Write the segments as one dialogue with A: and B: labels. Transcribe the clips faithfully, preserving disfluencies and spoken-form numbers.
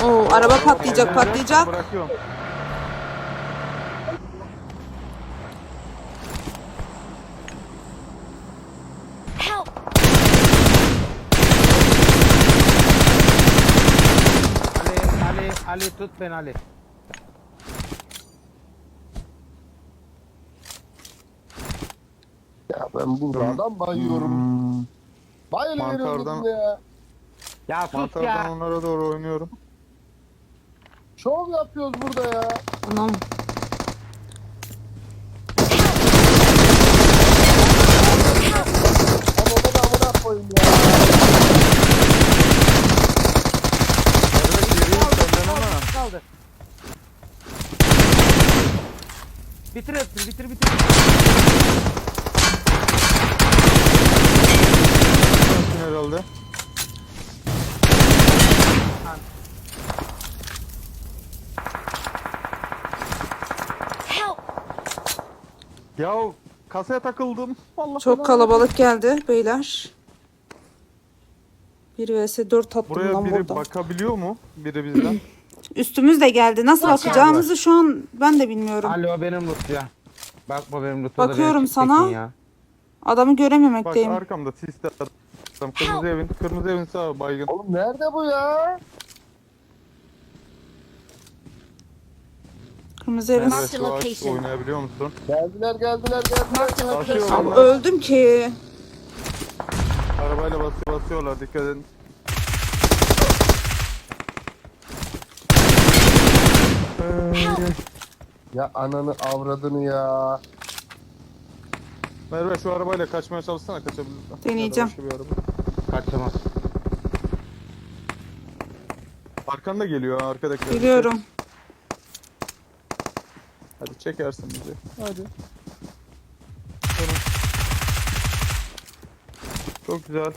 A: Oo, araba patlayacak patlayacak.
B: Bırakıyorum.
C: Help!
D: Ali, Ali, Ali tut beni Ali.
E: Ya ben burada adam bayıyorum.
B: Hmm.
E: Bayılıveriyorum
B: Mantardan-
E: birbirine ya.
D: Ya sus
B: Mantardan
D: ya.
B: onlara doğru oynuyorum.
E: Şov yapıyoruz burada ya.
A: Anam.
E: Ama bana amına koyayım ya.
B: Evet geriyim senden ama.
D: Kaldı. Bitir hepsini bitir bitir.
B: Sensin herhalde.
C: Help!
B: Ya kasaya takıldım. Allah
A: Çok
B: belanı.
A: kalabalık geldi beyler. bir vs dört attım
B: Buraya
A: lan
B: biri
A: burada.
B: bakabiliyor mu? Biri bizden.
A: Üstümüz de geldi. Nasıl
C: Watch out.
A: bakacağımızı şu an ben de bilmiyorum.
D: Ali o benim loot ya. Bakma benim loot'a da
A: Bakıyorum
D: beni
A: sana.
D: çekin ya.
A: Adamı
B: Bak
A: görememekteyim.
B: arkamda siste adam. Kırmızı evin, kırmızı evin sağ baygın.
E: Oğlum nerede bu ya?
A: Kırmızı evin.
B: Evet,
C: the
B: şu ağaç
C: location.
B: oynayabiliyor musun?
E: Geldiler geldiler
C: Marked
E: geldiler.
C: a
B: Basıyor
C: location.
A: Abi
B: onlar.
A: öldüm ki.
B: Arabayla basıyor, basıyorlar dikkat edin.
E: Ya ananı avradını ya.
B: Merve şu arabayla kaçmaya çalışsana kaçabilirsen.
A: Deneyeceğim.
B: Ya da başka bir araba.
D: Kaçamaz.
B: Arkanda geliyor ha, arkadakiler.
A: Biliyorum.
B: Hadi çekersin bizi. Hadi. Tamam. Çok güzel.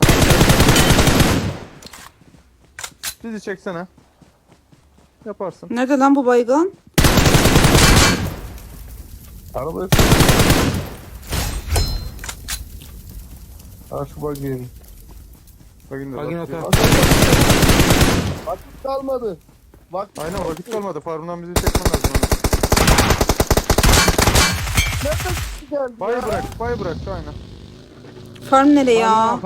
B: Bizi çeksene. Yaparsın.
A: Nerede lan bu baygın?
E: Araba. Ha şu bak gelin.
B: Bakın da
D: Bakın
B: bak-
D: otur.
E: Vakit kalmadı. Vakit
B: Aynen vakit kalmadı. Farmdan bizi çekmen lazım.
E: nereden geldi
B: Bay
E: ya?
B: bırak, bay bırak aynen.
A: Farm nereye ya?